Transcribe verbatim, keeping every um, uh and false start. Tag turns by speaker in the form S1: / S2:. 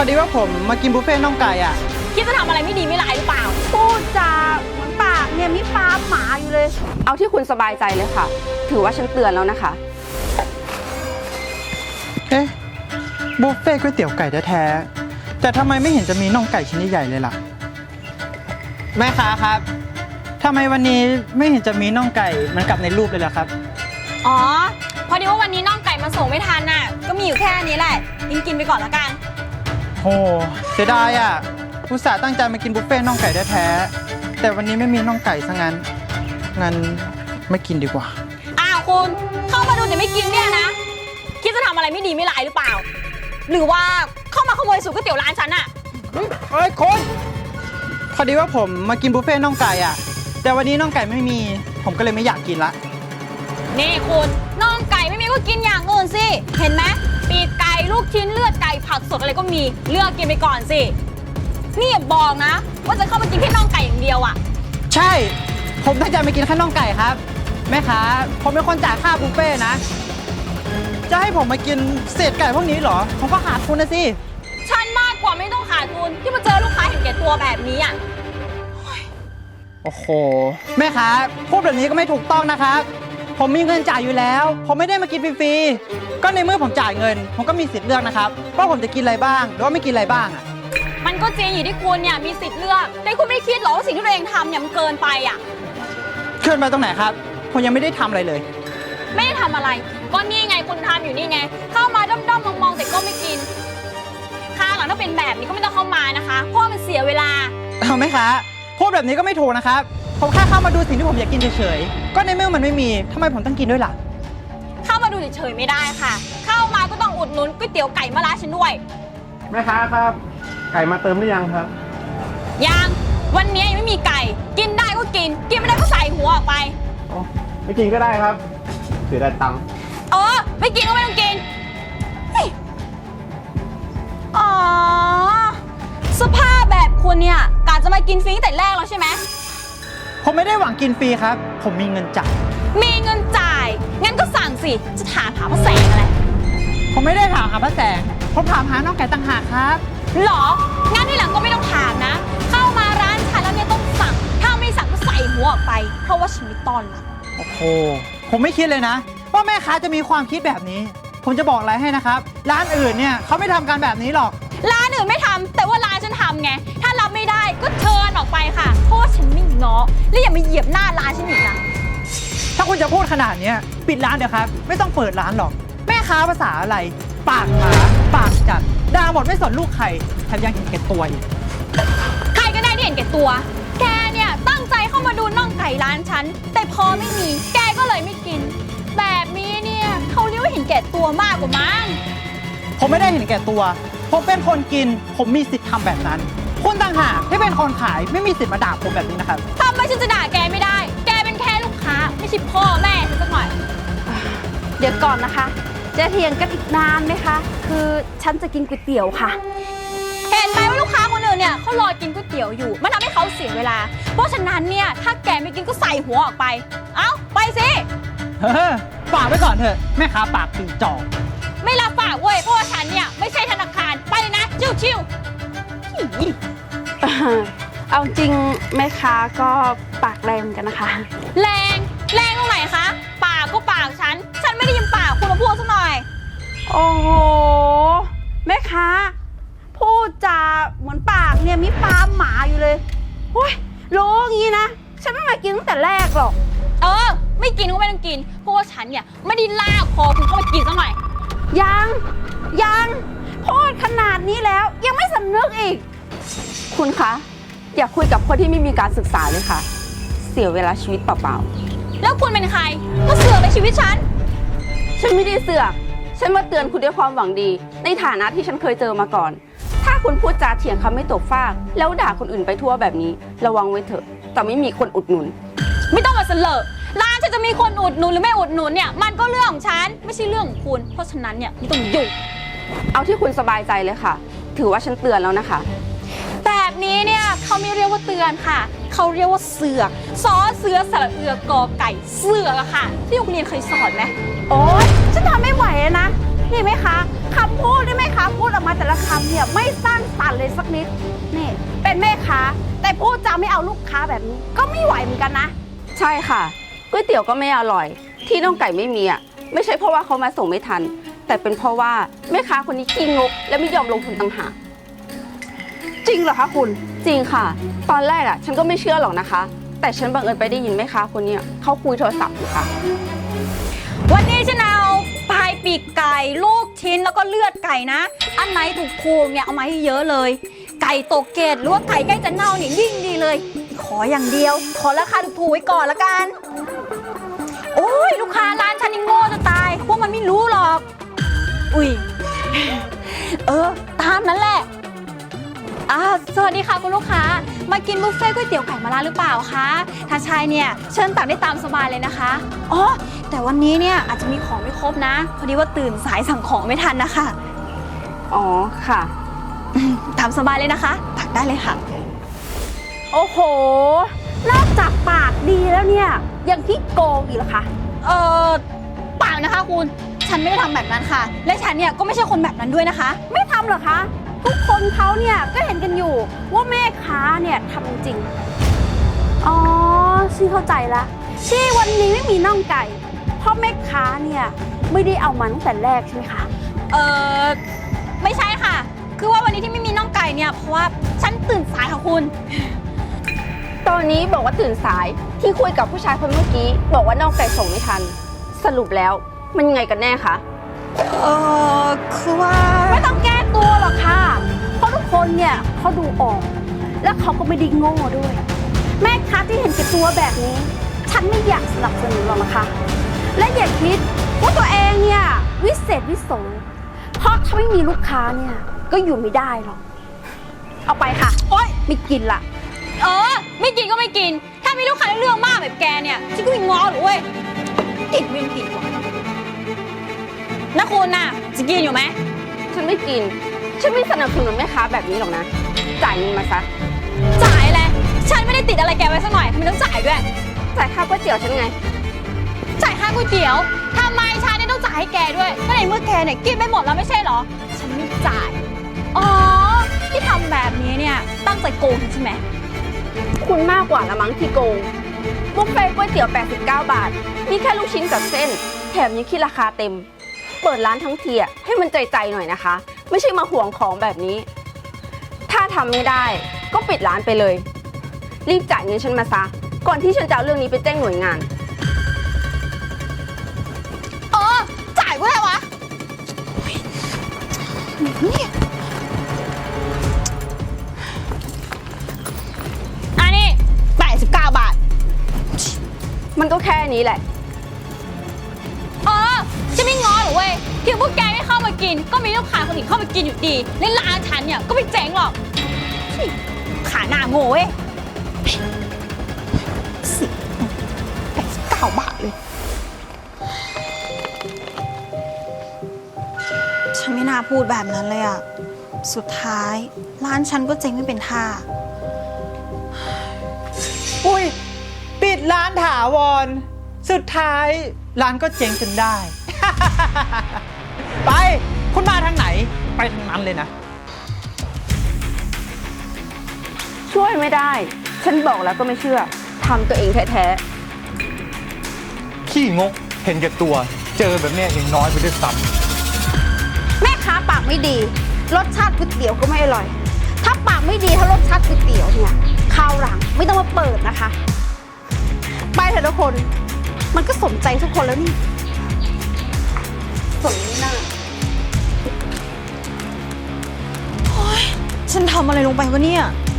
S1: อดีว่าผมมากินบุฟเฟ่ต์น่องไก่อ่ะ
S2: คิดจะทำอะไรไม่ดีไม่ร้ายหรือเปล่า
S3: พูดจาเหมือนปากเนี่ยมีปลาหมาอยู่เลยเอาที่คุณสบายใจเลยค่ะถือว่าฉันเตือนแล้วนะคะ
S1: เอ๊ะบุฟเฟ่ต์ก๋วยเตี๋ยวไก่แท้ๆแต่ทำไมไม่เห็นจะมีน่องไก่ชิ้นใหญ่ๆเลยล่ะแม่ค้าครับทำไมวันนี้ไม่เห็นจะมีน่องไก่เหมือนกับในรูปเลยล่ะครับ
S2: อ๋อพอดีว่าวันนี้น่องไก่มาส่งไม่ทันน่ะก็มีอยู่แค่นี้แหละกินกินไปก่อนละกัน
S1: โอ้เสียดายอ่ะอุตส่าห์ตั้งใจมากินบุฟเฟ่ต์น่องไก่แท้ๆแต่วันนี้ไม่มีน่องไก่ซะงั้นงั้นไม่กินดีกว่า
S2: อ้าวคุณเข้ามาดูแต่ไม่กินเนี่ยนะคิดจะทำอะไรไม่ดีไม่ร้ายหรือเปล่าหรือว่าเข้ามาขโมยสูตรก๋วยเตี๋ยวร้านฉันอะ
S1: เฮ้ยคุณพอดีว่าผมมากินบุฟเฟ่ต์น่องไก่อ่ะแต่วันนี้น่องไก่ไม่มีผมก็เลยไม่อยากกินละ
S2: นี่คุณน่องไก่ไม่มีก็กินอย่างอื่นสิเห็นไหมปีกไก่ลูกชิ้นเลือดไก่ผักสดอะไรก็มีเลือกกินไปก่อนสินี่อย่าบอกนะว่าจะเข้ามากินแค่น่องไก่อย่างเดียวอ่ะ
S1: ใช่ผมตั้งใจมากินแค่น่องไก่ครับแม่ค้าผมเป็นคนจ่ายค่าบุฟเฟ่ต์นะจะให้ผมมากินเศษไก่พวกนี้เหรอผมก็ขาดทุนนะสิ
S2: ฉันมากกว่าไม่ต้องขาดทุนที่มาเจอลูกค้าเห็นแก่ตัวแบบนี้อ่ะ
S1: โอ้โหแม่ค้าพูดแบบนี้ก็ไม่ถูกต้องนะครับผมมีเงินจ่ายอยู่แล้วผมไม่ได้มากินฟรีๆก็ในเมื่อผมจ่ายเงินผมก็มีสิทธิ์เลือกนะครับว่าผมจะกินอะไรบ้างหรือว่าไม่กินอะไรบ้างอ่ะ
S2: มันก็จริงอยู่ที่คุณเนี่ยมีสิทธิ์เลือกแต่คุณไม่คิดหรอว่าสิ่งที่ตัวเองทำเนี่ยมันเกินไปอ่ะ
S1: เกินไปตรงไหนครับผมยังไม่ได้ทำอะไรเลย
S2: ไม่ได้ทำอะไรก็นี่ไงคุณทำอยู่นี่ไงเข้ามาด้อมๆมองๆแต่ก็ไม่กินค่าหลังถ้าเป็นแบบนี้ก็ไม่ต้องเข้ามานะคะเพราะมันเสียเวลา
S1: เอาไหมคะพูดแบบนี้ก็ไม่ถูกนะครับผมแค่เข้ามาดูสิ่งที่ผมอยากกินเฉยๆก็ในเมื่อมันไม่มีทำไมผมต้องกินด้วยล่ะ
S2: เข้ามาดูเฉยๆไม่ได้ค่ะเข้ามาก็ต้องอุดหนุนก๋วยเตี๋ยวไก่มะระฉันด้วย
S4: แม่ค้าครับไก่มาเติมหรือยังครับ
S2: ยังวันนี้ยังไม่มีไก่กินได้ก็กินกินไม่ได้ก็ใส่หัวออกไป
S4: ไม่กินก็ได้ครับเสียดายตังค์
S2: เออไม่กินก็ไม่ต้องกินอ๋อสภาพแบบคุณเนี่ยกะจะมากินฟรีตั้งแต่แรกแล้วใช่ไหม
S1: ผมไม่ได้หวังกินฟรีครับผมมีเงินจ่าย
S2: มีเงินจ่ายงั้นก็สั่งสิจะถามหาพระแสงอะไร
S1: ผมไม่ได้ถามหาพระแสงผมถามหาน้องไก่ต่างหากครับ
S2: หรองั้นที่หลังก็ไม่ต้องถามนะเข้ามาร้านฉันแล้วเนี่ยต้องสั่งถ้าไม่สั่งก็ใส่หัวออกไปเพราะว่าฉันไม่ต้อนรับ
S1: โอ้โหผมไม่คิดเลยนะว่าแม่ค้าจะมีความคิดแบบนี้ผมจะบอกอะไรให้นะครับร้านอื่นเนี่ยเขาไม่ทำกันแบบนี้หรอก
S2: ร้านอื่นไม่ทำแต่ว่าร้านฉันทำไงถ้ารับไม่ได้ก็เชิญออกไปค่ะเพราะว่าฉันไม่ง้อและอย่ามาเหยียบหน้าร้านฉันอีกนะ
S1: ถ้าคุณจะพูดขนาดนี้ปิดร้านเดี๋ยวครับไม่ต้องเปิดร้านหรอกแม่ค้าภาษาอะไรปากหมาปากจัดด่าหมดไม่สนลูกใครแถมยังเห็นแก่ตัวอีก
S2: ใครก็ได้ที่เห็นแก่ตัวแกเนี่ยตั้งใจเข้ามาดูน่องไก่ร้านฉันแต่พอไม่มีแกก็เลยไม่กินแบบนี้เนี่ยเขาเรียกว่าเห็นแก่ตัวมากกว่ามั้ง
S1: ผมไม่ได้เห็นแก่ตัวผมเป็นคนกินผมมีสิทธิ์ทำแบบนั้นคุณต่างหากที่เป็นคนขายไม่มีสิทธิ์มาด่าผมแบบนี้นะครับ
S2: ทำไมฉันจะด่าแกไม่ได้แกเป็นแค่ลูกค้าไม่ใช่พ่อแม่ฉันสักหน่อย
S3: เดี๋ยวก่อนนะคะจะเถียงกันอีกนานไหมคะคือฉันจะกินก๋วยเตี๋ยวค่ะ
S2: เห็นไหมว่าลูกค้าคนอื่นเนี่ยเขารอกินก๋วยเตี๋ยวอยู่มันทำให้เขาเสียเวลาเพราะฉะนั้นเนี่ยถ้าแกไม่กินก็ใส่หัวออกไปเอ้าไปสิ
S1: เฮ้อฝากไว้ก่อนเถอะแม่ค้าปากปีจอก
S2: ไม่รับฝากเว้ยเพราะว่าฉันเนี่ยไม่ใช่ธนาคารไปเลยนะชิว
S3: ๆเอาจริงแม่ค้าก็ปากแรงกันนะคะ
S2: แรงแรงตรงไหนคะปากก็ปากฉันฉันไม่ได้ยินปากคุณมาพูดสักหน่อย
S3: โอ้โหแม่ค้าพูดจาเหมือนปากเนี่ยมีปลาหมาอยู่เลยโอ้ยรู้งี้นะฉันไม่มากินตั้งแต่แรกหรอก
S2: เออไม่กินก็ไม่ต้องกินเพราะว่าฉันเนี่ยไม่ได้ลากคอคุณเข้ามากินสักหน่อย
S3: ยังยังพูดขนาดนี้แล้วยังไม่สำนึกอีกคุณคะอย่าคุยกับคนที่ไม่มีการศึกษาเลยค่ะเสียเวลาชีวิตเปล่า
S2: ๆแล้วคุณเป็นใครก็เสือกในชีวิตฉัน
S3: ฉันไม่ได้เสือกฉันมาเตือนคุณด้วยความหวังดีในฐานะที่ฉันเคยเจอมาก่อนถ้าคุณพูดจาเถียงคำไม่ตกฟากแล้วด่าคนอื่นไปทั่วแบบนี้ระวังไว้เถอะแต่ไม่มีคนอุดหนุน
S2: ไม่ต้องมาเสลอร้านฉันจะมีคนอุดหนุนหรือไม่อุดหนุนเนี่ยมันก็เรื่องของฉันไม่ใช่เรื่องของคุณเพราะฉะนั้นเนี่ยไม่ต้องยุ่ง
S3: เอาที่คุณสบายใจเลยค่ะถือว่าฉันเตือนแล้วนะคะ
S2: แบบนี้เนี่ยเขาไม่เรียกว่าเตือนค่ะเขาเรียกว่าเสือกซอเสือสระเอือกอไก่เสือกอะค่ะที่โรงเรียนเคยสอนไหม
S3: โอ๊ยฉันทำไม่ไหวนะนี่ไหมคะคำพูดที่แม่ค้าพูดออกมาแต่ละคำเนี่ยไม่สร้างสรรค์เลยสักนิดนี่เป็นแม่ค้าแต่พูดจาไม่เอาลูกค้าแบบนี้ก็ไม่ไหวเหมือนกันนะใช่ค่ะก๋วยเตี๋ยวก็ไม่อร่อย ที่น้องไก่ไม่มีอ่ะไม่ใช่เพราะว่าเขามาส่งไม่ทัน แต่เป็นเพราะว่าแม่ค้าคนนี้ขี้งกและไม่ยอมลงทุนต่างหากจริงเหรอคะคุณจริงค่ะ ตอนแรกอ่ะฉันก็ไม่เชื่อหรอกนะคะ แต่ฉันบังเอิญไปได้ยินแม่ค้าคนนี้เขาคุยโทรศัพท์อยู่ค่ะ
S2: วันนี้ฉันเอาปลายปีกไก่ลูกชิ้นแล้วก็เลือดไก่นะ อันไหนถูกๆเนี่ยเอามาให้เยอะเลย ไก่ตกเกตหรือว่าไก่ใกล้จะเน่าเนี่ยยิ่งดีเลย ขออย่างเดียว ขอราคาถูกๆไว้ก่อนละกัน โอ้ยลูกค้าร้านฉันนี่โง่จะตายพวกมันไม่รู้หรอก อุ้ยเออตามนั้นแหละอ่าสวัสดีค่ะคุณลูกค้ามากินบุฟเฟ่ต์ก๋วยเตี๋ยวไก่มะระหรือเปล่าคะถ้าใช่เนี่ยเชิญตักได้ตามสบายเลยนะคะอ๋อแต่วันนี้เนี่ยอาจจะมีของไม่ครบนะพอดีว่าตื่นสายสั่งของไม่ทันนะคะ
S3: อ๋อค่ะ
S2: ตามสบายเลยนะคะตักได้เลยค่ะ
S3: โอ้โหนอกจากปากดีแล้วเนี่ยยังขี้โกงอีกเหรอคะ
S2: เออเปล่านะคะคุณฉันไม่ได้ทำแบบนั้นค่ะ และฉันเนี่ยก็ไม่ใช่คนแบบนั้นด้วยนะคะ
S3: ไม่ทำเหรอคะทุกคนเขาเนี่ยก็เห็นกันอยู่ว่าแม่ค้าเนี่ยทำจริงอ๋อฉันเข้าใจละที่วันนี้ไม่มีน่องไก่เพราะแม่ค้าเนี่ยไม่ได้เอามาตั้งแต่แรกใช่ไหมคะ
S2: เออไม่ใช่ค่ะ คือว่าวันนี้ที่ไม่มีน่องไก่เนี่ยเพราะว่าฉันตื่นสายค่ะคุณ
S3: ตอนนี้บอกว่าตื่นสายที่คุยกับผู้ชายคนเมื่อกี้บอกว่าน่องไก่ส่งไม่ทันสรุปแล้วมันยังไงกันแน่คะ
S2: เออคือว่า
S3: ไม่ต้องแก้ตัวหรอกค่ะเพราะทุกคนเนี่ยเขาดูออก และเขาก็ไม่ได้โง่ด้วย แม่ค้าที่เห็นแก่ตัวแบบนี้ ฉันไม่อยากสนับสนุนหรอกนะคะ และอย่าคิดว่าตัวเองเนี่ยวิเศษวิโสเพราะถ้าไม่มีลูกค้าเนี่ยก็อยู่ไม่ได้หรอกเอาไปค่ะโอ๊ยไม่กินละ
S2: เออไม่กินก็ไม่กิน ถ้ามีลูกค้าเรื่องมากแบบแกเนี่ยฉันก็ไม่ง้อหรอกเว้ยติดเว้นติดว่ะนะคุณน่ะจะกินอยู่ไหม
S3: ฉันไม่กินฉันไม่สนับสนุนแม่ค้าแบบนี้หรอกนะจ่ายเงินมาซะ
S2: จ่ายเลยฉันไม่ได้ติดอะไรแกไว้สักหน่อยทำไมต้องจ่ายด้วย
S3: จ่ายค่าก๋วยเตี๋ยวฉันไง
S2: จ่ายค่าก๋วยเตี๋ยวทำไมฉันเนี่ยต้องจ่ายให้แกด้วยก็ในเมื่อแกเนี่ยกินไปหมดแล้วไม่ใช่เหรอฉันไม่จ่ายอ๋อที่ทำแบบนี้เนี่ยตั้งใจโกงใช่ไหม
S3: คุณมากกว่าละมั้งที่โกงบุฟเฟ่ต์ก๋วยเตี๋ยวแปดสิบเก้าบาทมีแค่ลูกชิ้นกับเส้นแถมยังคิดราคาเต็มเปิดร้านทั้งทีอ่ะให้มันใจๆหน่อยนะคะไม่ใช่มาห่วงของแบบนี้ถ้าทำไม่ได้ก็ปิดร้านไปเลยรีบจ่ายเงินฉันมาซะก่อนที่ฉันจะเอาเรื่องนี้ไปแจ้งหน่วยงาน
S2: เออจ่ายก็ได้วะเนี่ยอันนี้แปดสิบเก้าบาท
S3: มันก็แค่นี้แหละ
S2: เออจะไม่ง้อหรอกเว้ยที่พวกแกไม่เข้ามากินก็มีลูกค้าคนอื่นเข้ามากินอยู่ดีในร้านฉันเนี่ยก็ไม่เจ๊งหรอกขาหน้าโง่เว้ยสิแปดสิบเก้าบาทเลยฉันไม่น่าพูดแบบนั้นเลยอะสุดท้ายร้านฉันก็เจ๊งไม่เป็นท่า
S1: อุ้ยปิดร้านถาวรสุดท้ายร้านก็เจ๊งจนได้ ไปคุณมาทางไหนไปทางนั้นเลยนะ
S3: ช่วยไม่ได้ ฉันบอกแล้วก็ไม่เชื่อทำตัวเองแท้ๆ
S5: ขี้งกเห็นแก่ตัวเจอแบบเนี้ยยังน้อยไปด้วยซ้
S3: แม่ค้าปากไม่ดี รสชาติก๋วยเตี๋ยวก็ไม่อร่อย ถ้าปากไม่ดีถ้ารสชาติก๋วยเตี๋ยวเนี่ยคราวหลังไม่ต้องมาเปิดนะคะ ไปเถอะทุกคน มันก็สมใจทุกคนแล้วนี่สมหน้า
S2: ฉันทำอะไรลงไปวะเนี่ย